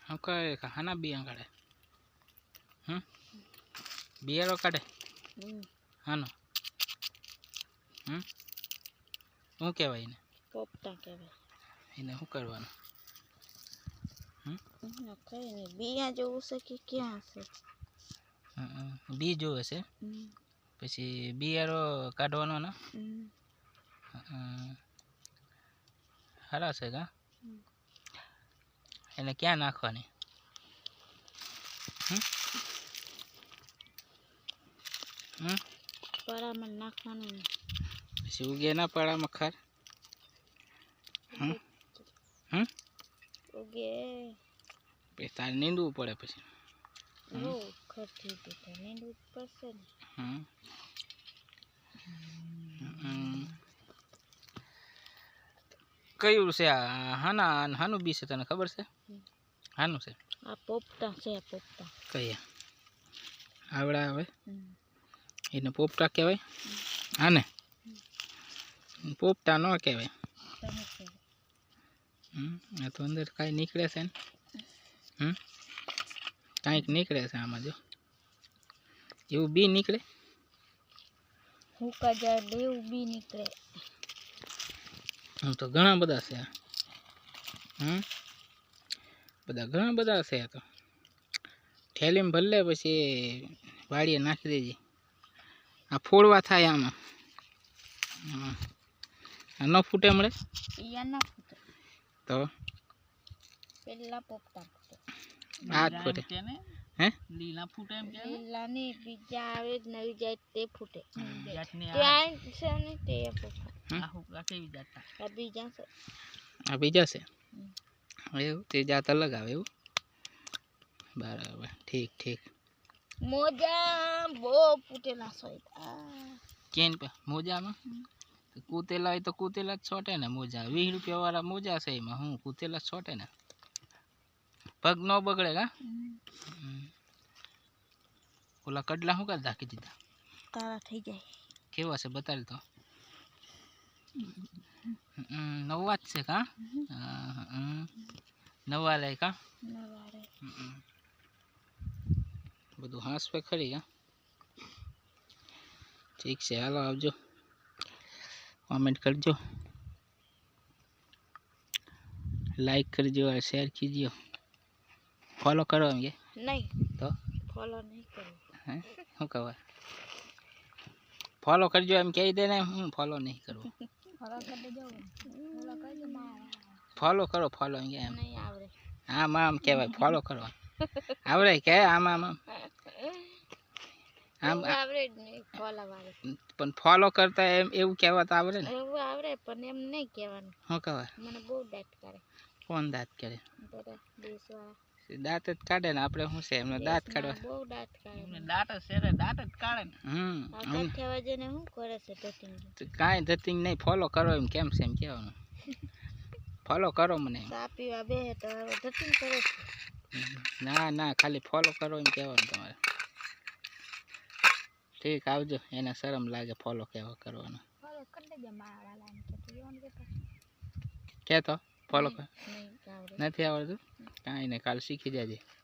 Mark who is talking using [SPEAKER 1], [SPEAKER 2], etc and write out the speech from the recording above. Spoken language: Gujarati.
[SPEAKER 1] Okay, kahana biang kade. Biaro kade. Hano. શું કહેવાય એને?
[SPEAKER 2] પોપટા કહેવાય.
[SPEAKER 1] એને શું કરવાનું?
[SPEAKER 2] કઈ નહીં, બિયા જોવું છે કે ક્યાં છે?
[SPEAKER 1] બી જોવે છે પછી બિયારો કાઢવાનો ને સારા છે કા એને ક્યાં નાખવાની?
[SPEAKER 2] પરામાં નાખવાનું
[SPEAKER 1] પછી ઉગે ના પડામાં ખાર
[SPEAKER 2] ઉગે
[SPEAKER 1] પછી તારે નીંદવું પડે પછી
[SPEAKER 2] ખરથી તો નીંદવું પડશે ને.
[SPEAKER 1] કયું છે આ? હાનું બી છે તને ખબર છે? હાનું છે?
[SPEAKER 2] આ પોપટા છે. પોપટા
[SPEAKER 1] કયા આવડા આવે એને પોપટા કહેવાય? આને પોપટા ન કહેવાય. આ તો અંદર કાંઈ નીકળે છે ને કાંઈક નીકળે છે આમાં. જો એવું બી નીકળે.
[SPEAKER 2] હુકા જાય એવું બી નીકળે.
[SPEAKER 1] તો ઘણા બધા છે. ઘણા બધા છે. તો થેલીમાં ભરલે પછી વાડીએ નાખી દેજે. આ ફોડવા થાય આમાં. ન ફૂટે મળે
[SPEAKER 2] ના ફૂટે
[SPEAKER 1] તો
[SPEAKER 2] પેલા પોપટા ફૂટે.
[SPEAKER 1] આ ફૂટે હે?
[SPEAKER 2] લીલા ફૂટે એમ કે લીલા ની બીજા આવે નવી જાય તે ફૂટે. ત્યાં છે ને તે પોપટા. આ બીજા છે.
[SPEAKER 1] આ બીજા છે એવું? તે જાત અલગ આવે એવું? બરાબર, ઠીક ઠીક.
[SPEAKER 2] મોજા બહુ ફૂટેલા છે.
[SPEAKER 1] કેન મોજામાં કૂતેલા હોય તો કૂતેલા જ છોટે ને મોજા. 20 રૂપિયા વાળા મોજા છે એમાં હું કૂતેલા છોટે ને. પગ ન બગડે કા? ઓલા કડલા શું કાઢ રાખી દીધા?
[SPEAKER 2] કાળા થઈ જાય.
[SPEAKER 1] કેવા છે બતાડ તો. નવા જ છે કા? નવા લે કા? બધું હાંસવે ખરી કા? ઠીક છે, હાલો આવજો, कमेंट करजो, लाइक करजो और शेयर कीजिए। फॉलो करो ये
[SPEAKER 2] नहीं
[SPEAKER 1] तो
[SPEAKER 2] फॉलो नहीं करो
[SPEAKER 1] हैं શું કહેવાય? ફોલો કરજો એમ કહી દે ને. હું ફોલો નહીં કરું.
[SPEAKER 2] ફોલો કરી દેજો. ફોલો કરી દો મારા.
[SPEAKER 1] ફોલો કરો. ફોલો એમ
[SPEAKER 2] નહીં આવડે.
[SPEAKER 1] આમ આમ કહેવાય ફોલો કરો. આવડે કે આમ આમ આમ
[SPEAKER 2] આવડે જ નહીં ફોલો વાળે.
[SPEAKER 1] પણ ફોલો કરતા એમ એવું કહેવાત આવડે ને?
[SPEAKER 2] એવું આવડે પણ એમ નહીં કહેવાનું.
[SPEAKER 1] શું કહેવાય?
[SPEAKER 2] મને બહુ દાંત કરે.
[SPEAKER 1] કોણ દાંત કરે?
[SPEAKER 2] બધા દેશવાળા
[SPEAKER 1] દાંત જ કાઢે ને. આપણે શું છે એમને દાંત કાઢવા?
[SPEAKER 2] બહુ દાંત કાઢે.
[SPEAKER 1] દાંત જ છે દાંત જ કાઢે ને.
[SPEAKER 2] કાઠિયાવાડ જઈને શું કરે છે ધતિંગ?
[SPEAKER 1] કાંઈ ધતિંગ નહીં. ફોલો કરો એમ કેમ છે એમ કહેવાનું. ફોલો કરો મને.
[SPEAKER 2] ચા પીવા બે તો ધતિંગ કરે છે.
[SPEAKER 1] ના ના ખાલી ફોલો કરો એમ કહેવાનું તમારે. ઠીક, આવજો. એને શરમ લાગે ફોલો કેવા કરવાનો.
[SPEAKER 2] ફોલો કરી દેજો મારા લાઈન
[SPEAKER 1] કે તો ફોલો કર. નથી આવડતું? કાંઈ નહીં, કાલ શીખી જાજે.